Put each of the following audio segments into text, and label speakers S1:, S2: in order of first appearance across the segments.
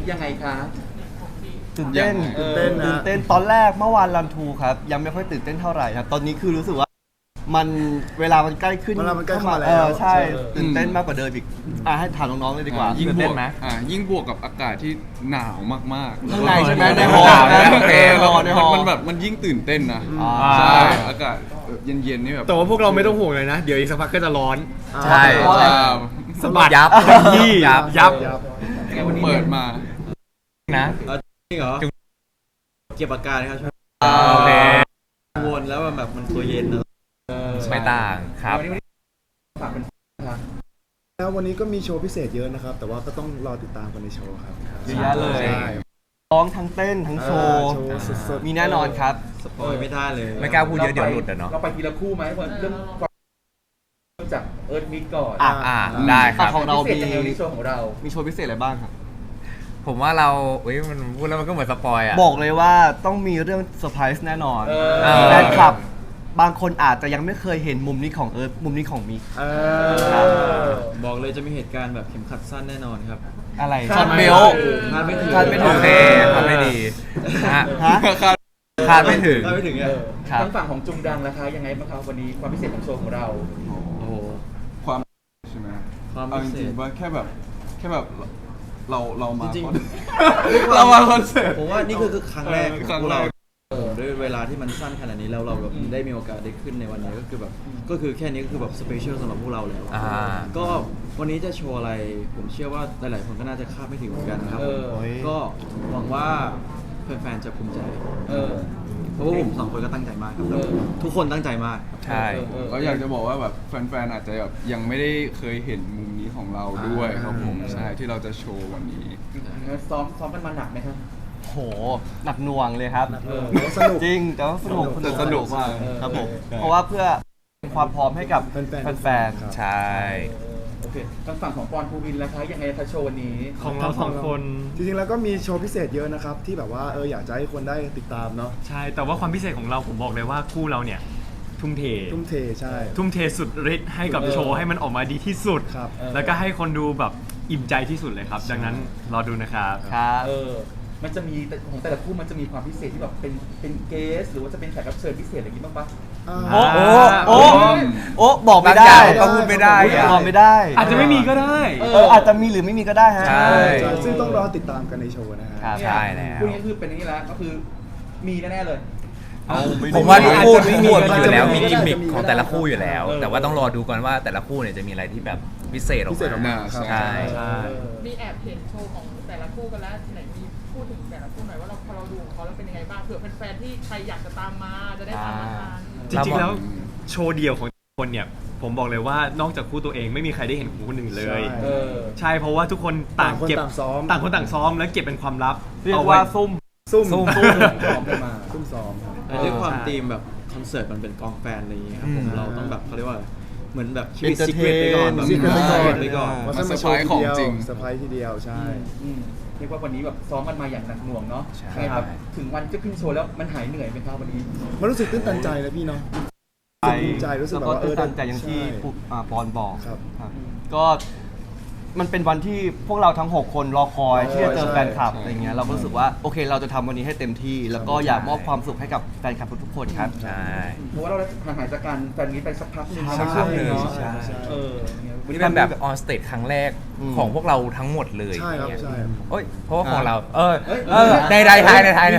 S1: ยังไงคะ
S2: ตื่นเต้น ตื่นเต้นตอนแรกเมื่อวานรันทูครับยังไม่ค่อยตื่นเต้นเท่าไหร่ครับตอนนี้คือรู้สึกว่ามันเวลามันใกล้ขึ้น
S3: เวลามันใกล้เข้ามาแล้ว
S2: ใช่ตื่นเต้นมากกว่าเดิมอีกให้ถามน้องๆเลยดีกว่า
S4: ยิ่ง
S2: ตื่น
S4: บ
S2: เต้
S4: วน ก
S2: ไหม
S4: ยิ่งบวกกับอากาศที่หนาวมากๆ
S2: ข้างในใช่ไหมใน
S4: ใน
S2: หอ
S4: โอเค
S2: ในหอ
S4: มันแบบมันยิ่งตื่นเต้นนะ
S2: ใช่
S4: ใช่อากาศเย็นๆนี่แบบ
S5: แต่ว่าพวกเราไม่ต้องห่วงเลยนะ เดี๋ยวอีกสักพักก็จะร้อน
S3: ใช่
S2: เพราะอะไร
S5: สะบัด
S6: ยับ
S5: ยี่ยับ
S3: ยับ
S4: เปิดมา
S6: นะ
S7: จริงเหรอเก็บอาการครับ
S6: โอเค
S7: กังวลแล้วแบบมันตัวเย็นนะ
S6: ไม่ต่างครับ
S1: ฝากเป็นครับ
S3: แล้ววันนี้ก็มีโชว์พิเศษเยอะนะครับ แต่ว่าก็ต้องรอติดตามกันในโชว์ครับ
S2: เยอะแยะเลย
S3: ใช่
S2: ร้องทั้งเต้นทั้งโชว์
S3: โชว์สดๆ
S2: มีแน่นอนครับ
S7: สปอยไม่ได้เลย
S6: ไม่กล้าพูดเยอะเดี๋ยวหลุดอะเนาะ
S1: เราไปทีละคู่ไหมเริ่มจากเอิร์ธมิกก่อน
S6: ได้ครับ
S2: ของเรา
S1: พิเศษยังไงในโชว์ของเรา
S2: มีโชว์พิเศษอะไรบ้างครับ
S6: ผมว่าเรามันพูดแล้วมันก็เหมือนสปอยอ่ะ
S2: บอกเลยว่าต้องมีเรื่องเซอร์ไพรส์แน่นอน
S1: เออ
S2: แฟนคลับบางคนอาจจะยังไม่เคยเห็นมุมนี้ของเอิร์ธมุมนี้ของมิก
S7: บอกเลยจะมีเหตุการณ์แบบเข็มขัดสั้นแน่นอนครับ
S2: อะไร
S1: คา
S2: ช็อ
S1: ด
S2: ต
S1: ไม่
S2: เบล
S1: ถึง
S7: คาดไม่ถึง
S2: คาดไม่ถึ
S6: โอง เคทำได้ดีฮะ
S2: ฮะ
S6: คาดไม่ถึง
S7: คาดไม่ถึง
S1: เอ
S7: อ่ะ
S1: อ
S2: ครับ
S1: ทางฝั่งของจุงดังนะคะยังไงบ้างครับวันนี้ความพิเศษของโชว์ของเรา
S7: โอ้โห
S4: ความใช่ไหม
S7: ความ
S4: เอา
S7: พิ
S4: จ
S7: เศ
S4: ริง
S7: ษ
S4: ๆว่าแค่แบบเรามา
S7: จริง
S4: เรามาคอนเสิร์ต
S7: ผมว่านี่คือครั้งแรก
S4: ครั้งแรก
S7: ผมด้วยเวลาที่มันสั้นขนาดนี้แล้วเราแบบได้มีโอกาสได้ขึ้นในวันนี้ก็คือแบบก็คือแค่นี้ก็คือแบบสเปเชียลสำหรับพวกเราแล้ว
S6: อ่า
S7: ก็วันนี้จะโชว์อะไร ผมเชื่อว่าหลายๆคนก็น่าจะคาดไม่ถึงเหมือนกันครับ
S1: เออ
S7: ก็หวังว่าแฟนๆจะภูมิใจ
S1: เออ
S7: เพราะว่าผมสองคนก็ตั้งใจมากครับ
S1: เออ
S7: ทุกคนตั้งใจมาก
S6: ใช่
S4: ก็อยากจะบอกว่าแบบแฟนๆอาจจะแบบยังไม่ได้เคยเห็นมุมนี้ของเราด้วยครับผมใช่ที่เราจะโชว์วันนี้
S1: ซ้อมกันมาหนักไหมครับ
S2: โหหนักหน่วงเลยครับ
S1: เออ
S3: แต่ว่าสนุก
S2: จริงแต่ว่าสนุก
S4: สนุกมาก
S2: ครับผมเพราะว่าเพื่อเป็นความพร้อมให้กับ
S3: แฟนๆ
S2: แฟน
S6: ใช่
S1: โอเคทางฝั่งของปอนภูวินแล้วคะยังไงคะโชว์วันนี้
S5: ของเราสองคน
S3: จริงๆแล้วก็มีโชว์พิเศษเยอะนะครับ ที่แบบว่าอยากจะให้คนได้ติดตามเนาะ
S5: ใช่ แต่ว่าความพิเศษของเราผมบอกเลยว่าคู่เราเนี่ย ทุ่มเท
S3: ทุ่มเทใช่
S5: ทุ่มเทสุดฤทธิ์ให้กับโชว์ให้มันออกมาดีที่สุด
S3: ครับ
S5: แล้วก็ให้คนดูแบบอิ่มใจที่สุดเลยครับ ดังนั้นรอดูนะครับ
S2: ๆครับ
S1: เออ มันจะมีของแต่ละคู่มันจะมีความพิเศษที่แบบเป็นเกสหรือว่าจะเป็นแขกรับเชิญพิเศษอะไรอย่างนี้บ้างปะ
S2: โอ้
S5: โอ้
S2: โอ้บอกไม่ได้
S6: บางอย่างก็พูดไม่ได้อะ
S2: บอกไม่ได้
S5: อาจจะไม่มีก็ได้
S2: อาจจะมีหรือไม่มีก็ได้ฮะ
S6: ใช่
S3: ใช่ซึ่งต้องรอติดตามกันในโชว์นะฮะ
S2: ครับ
S6: ใช่แล้ว
S1: คู่นี้คือเป็นอย่างนี้แล้วก็คือมีแน่ๆเลย
S6: ผมว่าทุกคู่
S5: อาจจะไม่มี
S6: มีอยู่แล้ว
S3: อาจจะไม่มี
S6: มีกิมมิคของแต่ละคู่อยู่แล้ว
S1: เออ
S6: แต่ว่าต้องรอดูก่อนว่าแต่ละคู่เนี่ยจะมีอะไรที่แบบพิเศษออก
S3: พิเศษออก
S6: มา
S3: มาครับ
S6: ใช่
S5: ใช่
S8: มีแอบเห็นโชว์ของแต่ละคู่กันแล้วไหนมีพูดถึงแต่ละคู่หน่อยว่าเราพอเราดูของเขาแล้วเป็นยังไงบ้างเผื่อแฟนๆที่ใครอยากจะตามมาจะได้ตามมาทัน
S5: จริงๆแล้วโชว์เดียวของคนเนี่ย ผมบอกเลยว่านอกจากคู่ตัวเองไม่มีใครได้เห็นของคนอื่นเลย
S1: เออ
S5: ใช่เพราะว่าทุกคนต่างเก็บ
S3: ต่างคนต่างซ้อม
S5: ต่างคนต่างซ้อมแล้วเก็บเป็นความลับ
S2: เรียก
S5: อไ
S2: ว่าซุ่ม
S3: ซุ่ม
S6: ซุ่ม
S1: พร้อมกันมา
S3: ซุ่มซ้อมครับ
S7: แต่ด้วยความ
S5: ใช่
S7: ธีมแบบคอนเสิร์ตมันเป็นกองแฟนอะไรอย่างเงี้ยครับผม
S6: อืม
S7: เราต้องแบบเขาเรียกว่าเหมือนแบบชีวิต
S2: Entertain
S7: ซีเครตไปก่อนแบบ
S3: Secret ไปก่อน
S7: ไปก่อน
S3: ว่า
S4: มา
S3: จะมาโชว์ทีเดียว
S4: ของจริง
S3: เซอร์ไพรส์ทีเดียวใช่
S1: เรียกว่าวันนี้แบบซ้อมกันมาอย่างหนักหน่วงเนาะ
S6: ใช่
S1: ไงครับถึงวันจะขึ้นโชว์แล้วมันหายเหนื่อยไหมครับวันนี้
S3: มันรู้สึกตื้นตันใจนะพี่เนาะ ภูมิใจรู้สึก
S2: แล้ว
S3: แบบ
S2: ก็
S3: ว่า
S2: ตื่นตันใจอย่างที่
S3: ใช่
S2: ปอนบอก
S3: ครับ
S2: ก็มันเป็นวันที่พวกเราทั้ง 6 คนรอคอยที่จะเจอ
S3: ใช่
S2: แฟนคลับ
S3: ใช่
S2: อะไรเงี้ยเราก็รู้สึกว่าโอเคเราจะทำวันนี้ให้เต็มที่ แล้วก็อยากมอบความสุขให้กับแฟนคลับทุกๆคนครับ
S6: ใช่
S1: เพราะว่าเราห่างหายจากการแฟนนี้ไปสักพักหนึ่ง
S6: สักพักหนึ่ง
S1: เนาะ
S6: ใช่
S1: เออ
S6: วันนี้เป็นแบบออนสเตจครั้งแรก
S2: อืม
S6: ของพวกเราทั้งหมดเลย
S3: ใช่ครับ
S6: เนี่ย
S3: ใช่
S6: โอ้ยเพราะว่าของเรา
S1: เอ้ย
S6: ในไทยในไทย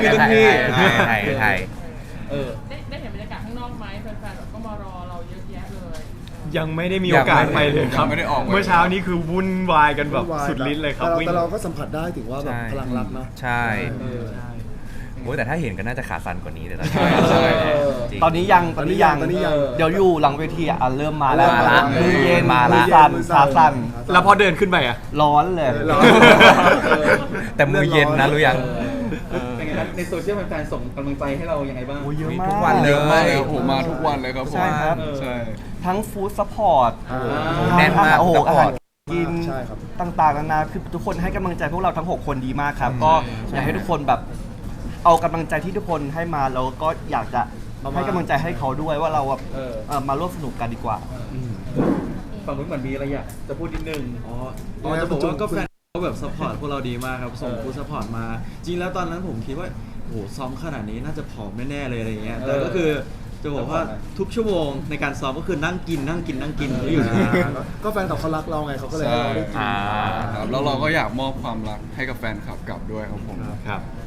S1: เออ
S8: ได้เห็นบรรยากาศข้างนอกไหมแฟนๆแบบก็มารอเราเยอะแยะเลย
S5: ยังไม่ได้มีโอกาสไปเลยครับ
S4: ยังไม่ได้ออกไป
S5: เมื่อเช้านี้คือวุ่นวายกันแบบ
S3: วุ่นวาย
S5: สุดฤทธิ์เลยครับ
S3: แต่
S5: วิ่ง
S3: เราก็สัมผัสได้ถึงว่าแบบพลังรักเนาะ
S6: ใช่
S1: เออ
S5: ใช่
S6: โอ้ยแต่ถ้าเห็นก็น่าจะขาสั่นกว่านี้แต่ตอน
S4: ใช่ใช่
S6: จริง
S2: ตอนนี้ยัง
S3: ตอนนี้ยัง
S2: เดี๋ยวอยู่หลังเวทีเริ่มมาแล้ว
S6: มาละ
S2: มือเย็น
S6: มาละ
S2: มือสั่นขาสั่น
S5: แล้วพอเดินขึ้นไปอ่ะ
S2: ร้อนเลย
S3: ร้อน
S6: แต่มือเย็นนะรู้ยัง
S1: เป็นไงครับในโซเชียลแฟนๆส่งกำลังใจให้เรายังไงบ้าง
S2: โอ้เยอะ
S6: มี
S2: มาก
S6: ทุกวัน
S4: เยอะมากเลย
S6: เลย
S4: โอ้โหมาทุกวันเลยครับผม
S2: ใช่ครับ
S4: ใช่
S2: ทั้งฟู้ดซัพพอร์ต
S6: แน่นมาก
S2: โอ้โห
S6: ซัพ
S2: อา
S6: พอ
S2: หา
S6: ร์
S2: ร
S6: ต
S2: กิน
S3: ใช่ครับ
S2: ต่างๆนานาคือทุกคนให้กำลังใจพวกเราทั้ง 6 คนดีมากครับ ก็อยากให้ทุกคนแบบเอากำลังใจที่ทุกคนให้มาแล้วก็อยากจะให้กำลังใจให้เขาด้วยว่าเราแบบมาร่วมสนุกกันดีกว่า
S1: ฝั่งนู้นเหมือนมีอะไรอยากจะพูดนิดนึง
S7: อ๋อจะบอกว่าก็แฟนเขาแบบซัพพอร์ตพวกเราดีมากครับส่งฟู้ดซัพพอร์ตมาจริงแล้วตอนนั้นผมคิดว่าโอ้โหซ้อมขนาดนี้น่าจะผอมแน่ๆเลยอะไรเงี้ยแต่ก็คือจะบอกว่าทุกชั่วโมงในการซ้อมก็คือนั่งกินอยู่นะ
S3: ก็แฟนคลับเขารักเราไงเขาก็เลยให้เราได้กิน
S6: อ่า
S4: ครับแล้วเราก็อยากมอบความรักให้กับแฟนคลับกลับด้วยครับผม
S5: ครับ
S3: ค